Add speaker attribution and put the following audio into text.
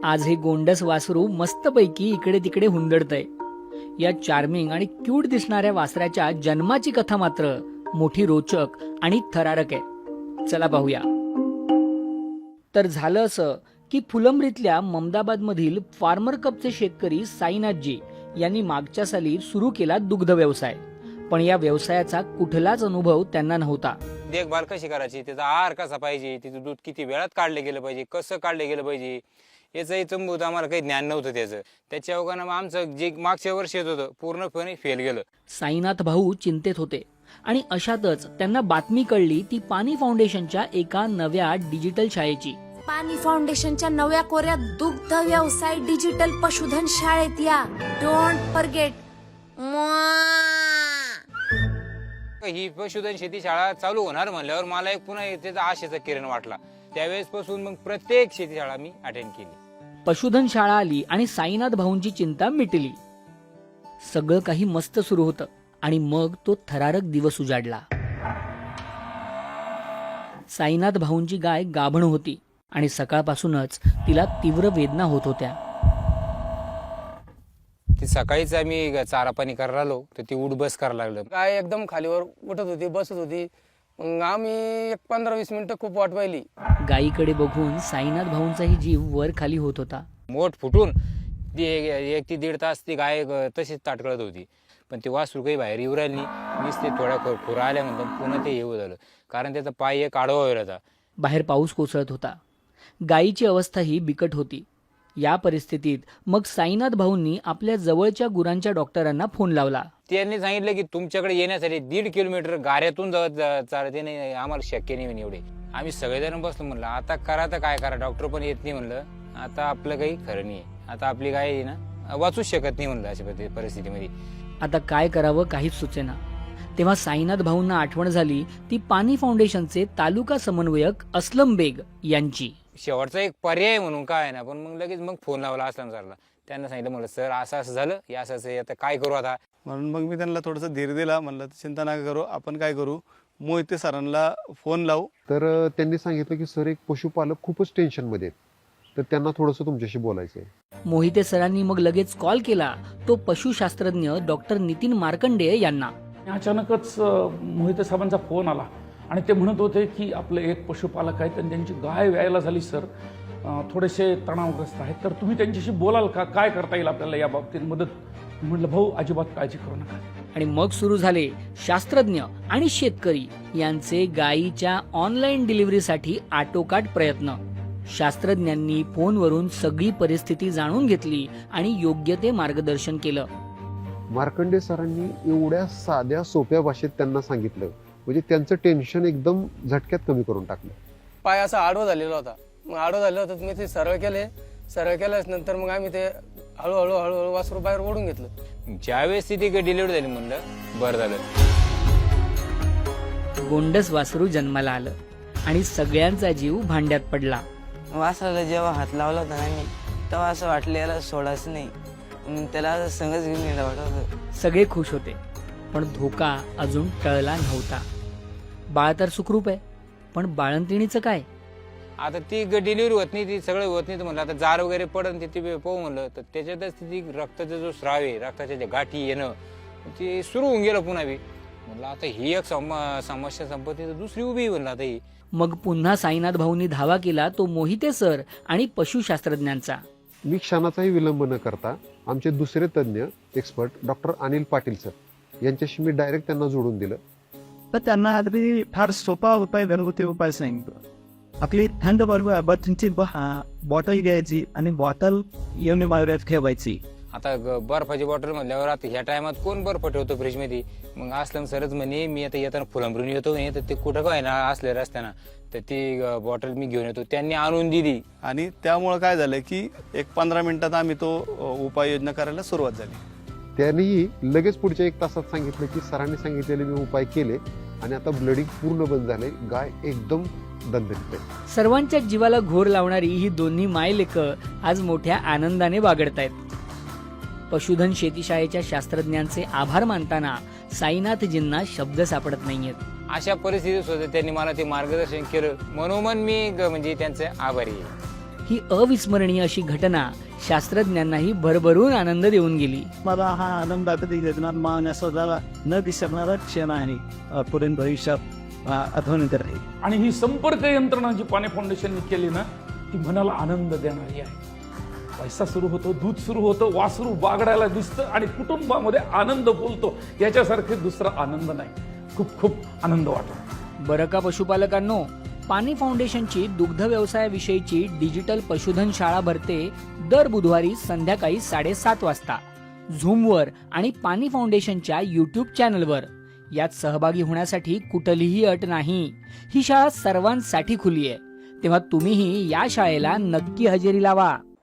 Speaker 1: आज हे गोंडस वासरू मस्तपैकी इकडे तिकडे हुंदडतंय. या चार्मिंग आणि क्यूट दिसणाऱ्या वासराच्या जन्माची कथा मात्र मोठी रोचक आणि थरारक आहे. चला पाहूया. तर झालं असं की फुलंब्रीतल्या ममदाबादमधील फार्मर कपचे शेतकरी साईनाथजी यांनी मागच्या साली सुरू केला दुग्ध व्यवसाय. पण या व्यवसायाचा कुठलाच अनुभव त्यांना नव्हता.
Speaker 2: देखभाल कशी करायची, त्याचा आहार कसा पाहिजे, तिचं दूध किती वेळात काढलं गेलं पाहिजे, कसं काढलं गेलं पाहिजे, याचंही चंबूत आम्हाला काही ज्ञान नव्हतं त्याचं. त्याच्या अवघानं आमचं जे मागच्या वर्षी येत होतं पूर्णपणे फेल गेलं.
Speaker 1: साईनाथ भाऊ चिंतेत होते आणि अशातच त्यांना बातमी कळली ती पाणी फाउंडेशनच्या एका नव्या डिजिटल शाळेची.
Speaker 3: पाणी फाउंडेशनच्या नव्या कोऱ्या दुग्ध व्यवसाय डिजिटल पशुधन शाळेत या. Don't forget.
Speaker 2: ही पशुधन शेती शाळा चालू होणार म्हणल्यावर मला एक पुन्हा त्याचा आशेचा किरण वाटला. त्यावेळेस पासून मग प्रत्येक शेती शाळा मी अटेंड केली.
Speaker 1: पशुधन शाळा आली आणि साईनाथ भाऊंची चिंता मिटली. सगळं काही मस्त सुरू होतं आणि मग तो थरारक दिवस उजाडला. साईनाथ भाऊंची गाय गाभण होती आणि सकाळपासूनच तिला तीव्र वेदना होत होत्या.
Speaker 2: ती सकाळीच आम्ही चारा पाणी करायला आलो तर ती उठ बस करायला लागलं.
Speaker 4: गाय एकदम खालीवर उठत होती, बसत होती. मग आम्ही एक 15-20 मिनिटं खूप वाट पाहिली.
Speaker 1: गायीकडे बघून साईनाथ भाऊंचाही जीव वर खाली होत होता.
Speaker 2: मोठ फुटून ती 1 ते 1.5 तास ती गाय तशीच ताटकळत होती. पण ती वासरू काही बाहेर येऊ राहिली नाही. नुसते थोड्या खुरा आल्यानंतर पुन्हा ते येऊ झालं, कारण त्याचा पाय एक आडवा व्हायला होता.
Speaker 1: बाहेर पाऊस कोसळत होता. गायीची अवस्थाही बिकट होती. या परिस्थितीत मग साईनाथ भाऊंनी आपल्या जवळच्या गुरांच्या डॉक्टरांना फोन लावला.
Speaker 2: त्यांनी सांगितलं की तुमच्याकडे येण्यासाठी 1.5 किलोमीटर गाऱ्यातून चालते नाही, आम्हाला शक्य नाही एवढे. आम्ही सगळेजण बसलो. म्हणलं आता करा तर काय करा, डॉक्टर पण येत नाही. म्हणलं आता आपलं काही खरं नाही, आता आपली गाय आहे ना वाचूच शकत नाही. म्हणलं अशा परिस्थितीमध्ये
Speaker 1: आता काय करावं काहीच सुचेना. तेव्हा साईनाथ भाऊंना आठवण झाली ती पाणी फाउंडेशनचे तालुका समन्वयक असलम बेग यांची.
Speaker 2: शेवटचा एक पर्याय म्हणून काय ना, पण मग लगेच फोन लावला असलम सरला. त्यांना सांगितलं म्हणलं सर असं असं झालं, या असं आता काय करू आता.
Speaker 5: म्हणून मग मी त्यांना थोडंसं धीर दिला. म्हणलं चिंता नका करू, आपण काय करू, मोहिते सरांना फोन लावू.
Speaker 6: तर त्यांनी सांगितलं की सर एक पशुपालक खूपच टेन्शनमध्ये आहेत, तर त्यांना थोडंसं तुमच्याशी बोलायचं आहे.
Speaker 1: मोहिते सरांनी मग लगेच कॉल केला तो पशुशास्त्रज्ञ डॉक्टर नितीन मार्कंडे यांना.
Speaker 7: अचानकच मोहिते साहेबांचा फोन आला आणि ते म्हणत होते की आपले एक पशुपालक आहेत आणि त्यांची गाय व्यायला झाली सर, थोडेसे तणावग्रस्त आहेत, तर तुम्ही त्यांच्याशी बोलाल का, काय करता येईल आपल्याला या बाबतीत मदत. म्हटलं भाऊ अजिबात काळजी करू नका.
Speaker 1: आणि मग सुरू झाले शास्त्रज्ञ आणि शेतकरी यांचे गायीच्या ऑनलाईन डिलिव्हरीसाठी आटोकाट प्रयत्न. शास्त्रज्ञांनी फोनवरून सगळी परिस्थिती जाणून घेतली आणि योग्य ते मार्गदर्शन केलं.
Speaker 6: मार्कंडे सरांनी एवढ्या साध्या सोप्या भाषेत त्यांना सांगितलं, म्हणजे त्यांचं टेन्शन एकदम झटक्यात कमी करून टाकलं.
Speaker 4: पाय असा आडवा झालेला होता. मग आडवा झालेला होता, मी ते सरळ केले. सरळ केल्यास नंतर मग आम्ही ते हळूहळू हळूहळू वासरू बाहेर ओढून घेतलं.
Speaker 2: ज्यावेळेस ती डिलिव्हरी झाली म्हणलं बरं झालं.
Speaker 1: गोंडस वासरू जन्माला आलं आणि सगळ्यांचा जीव भांड्यात पडला.
Speaker 8: वासराला जेव्हा हात लावला होता ना मी, तेव्हा असं वाटलं याला सोडायचं नाही, त्याला संगच घेऊन गेला वाटत.
Speaker 1: सगळे खुश होते पण धोका अजून टळला नव्हता. बाळ तर सुखरूप आहे पण बाळंतिणीचं काय.
Speaker 2: आता ती डिलिव्हरी होत नाही, ती सगळं होत नाही. तर म्हणलं आता जार वगैरे पडन ती पाहू म्हणलं, तर त्याच्यातच ती रक्ताचा जो स्राव आहे, रक्ताच्या ज्या गाठी येणं ते सुरू होऊन गेलं पुन्हा बी. म्हणलं आता ही एक समस्या संपत्ती तर दुसरी उभी म्हणलं आता ही.
Speaker 1: मग पुन्हा साईनाथ भाऊंनी धावा केला तो मोहिते सर आणि पशुशास्त्रज्ञांचा.
Speaker 6: मी क्षणाचाही विलंब न करता आमचे दुसरे तज्ज्ञ expert doctor Anil Patil sir यांच्याशी मी डायरेक्ट त्यांना जोडून दिलं.
Speaker 9: तर त्यांना आधी फार सोपा उपाय, घरगुती उपाय सांगितलं. आपली थंड बर्फाची बॉटल घ्यायची आणि बॉटल येऊन बाहेर ठेवायची.
Speaker 2: आता बर्फाची बॉटल म्हणल्यावर आता ह्या टायमात कोण बर्फ ठेवतो फ्रीजमध्ये. मग असलं सरच म्हणे मी आता येताना फुलंब्रून येतो नाही, तर ते कुठं काय ना असल्या रस्त्यानं, तर ती बॉटल मी घेऊन येतो. त्यांनी आणून दिली
Speaker 5: आणि त्यामुळं काय झालं की एक 15 मिनिटात आम्ही तो उपाययोजना करायला सुरुवात झाली.
Speaker 6: त्यांनीही लगेच पुढच्या 1 तासात सांगितलं की सरांनी सांगितलेले मी उपाय केले आणि आता ब्लडिंग पूर्ण बंद झाले, गाय एकदम दणदणीत आहे.
Speaker 1: सर्वांच्या जीवाला घोर लावणारी ही दोन्ही मायलेकं आज मोठ्या आनंदाने बागडतायत. पशुधन शेतीशाळेच्या शास्त्रज्ञांचे आभार मानताना साईनाथजींना शब्द सापडत नाहीयेत.
Speaker 2: अशा परिस्थितीत सुद्धा त्यांनी मला ते मार्गदर्शन केलं. मनोमन मी म्हणजे त्यांचे आभारी आहे.
Speaker 1: ही अविस्मरणीय अशी घटना शास्त्रज्ञांनाही भरभरून आनंद देऊन गेली.
Speaker 9: मला हा आनंदाचा योजना मानण्याचा न विसरणारा क्षण आहे पुढील भविष्यात आठवणीत राहील.
Speaker 7: आणि ही संपर्क यंत्रणा जी पाणी फाउंडेशनने केली ना, ती मनाला आनंद देणारी आहे. पैसा सुरू होतो, दूध सुरू होतं, वासरू बागडायला दिसतं आणि कुटुंबामध्ये आनंद बोलतो. याच्यासारखे दुसरा आनंद नाही. खूप खूप आनंद वाटतो.
Speaker 1: बरं का पशुपालकांनो, पाणी फाउंडेशनची दुग्ध व्यवसायाविषयीची डिजिटल पशुधन शाळा भरते दर बुधवारी संध्याकाळी 7:30 वाजता झूमवर आणि पाणी फाउंडेशनच्या YouTube चॅनलवर. यात सहभागी होण्यासाठी कुठलीही अट नाही. ही शाळा सर्वांसाठी खुली आहे. तेव्हा तुम्हीही या शाळेला नक्की हजेरी लावा.